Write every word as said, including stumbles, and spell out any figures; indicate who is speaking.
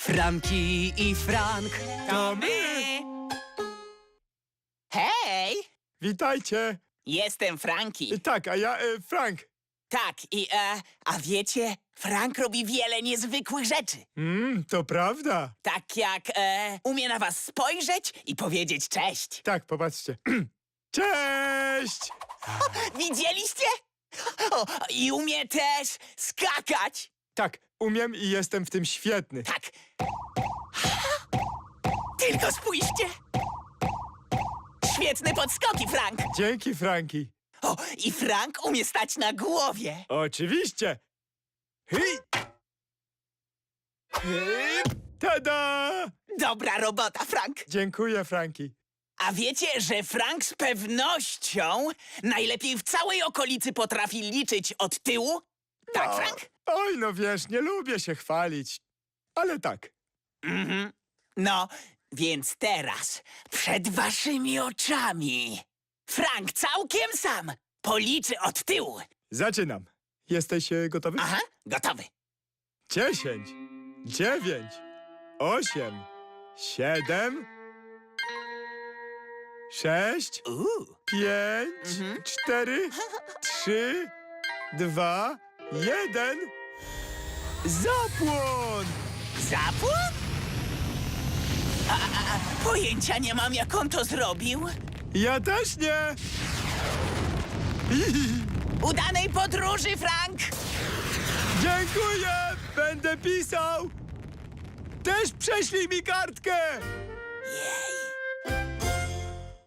Speaker 1: Franki i Frank.
Speaker 2: To my!
Speaker 3: Hej!
Speaker 2: Witajcie!
Speaker 3: Jestem Franki.
Speaker 2: Tak, a ja e, Frank.
Speaker 3: Tak, i e, a wiecie, Frank robi wiele niezwykłych rzeczy.
Speaker 2: Mm, to prawda.
Speaker 3: Tak jak e, umie na was spojrzeć i powiedzieć cześć.
Speaker 2: Tak, popatrzcie. Cześć!
Speaker 3: Widzieliście? O, i umie też skakać.
Speaker 2: Tak, umiem i jestem w tym świetny.
Speaker 3: Tak. Tylko spójrzcie. Świetne podskoki, Frank.
Speaker 2: Dzięki, Franki.
Speaker 3: O, i Frank umie stać na głowie.
Speaker 2: Oczywiście. Hej! Hej! Tada!
Speaker 3: Dobra robota, Frank.
Speaker 2: Dziękuję, Franki.
Speaker 3: A wiecie, że Frank z pewnością najlepiej w całej okolicy potrafi liczyć od tyłu? Tak,
Speaker 2: O,
Speaker 3: Frank?
Speaker 2: Oj, no wiesz, nie lubię się chwalić. Ale tak.
Speaker 3: Mhm. No, więc teraz przed waszymi oczami Frank całkiem sam policzy od tyłu.
Speaker 2: Zaczynam. Jesteś e, gotowy?
Speaker 3: Aha, gotowy.
Speaker 2: Dziesięć, dziewięć, osiem, siedem, sześć,
Speaker 3: Uuu.
Speaker 2: pięć,
Speaker 3: Mhm.
Speaker 2: cztery, trzy, dwa, jeden. Zapłon!
Speaker 3: Zapłon? A, a, a, pojęcia nie mam, jak on to zrobił.
Speaker 2: Ja też nie!
Speaker 3: Udanej podróży, Frank!
Speaker 2: Dziękuję! Będę pisał! Też prześlij mi kartkę!
Speaker 3: Jej.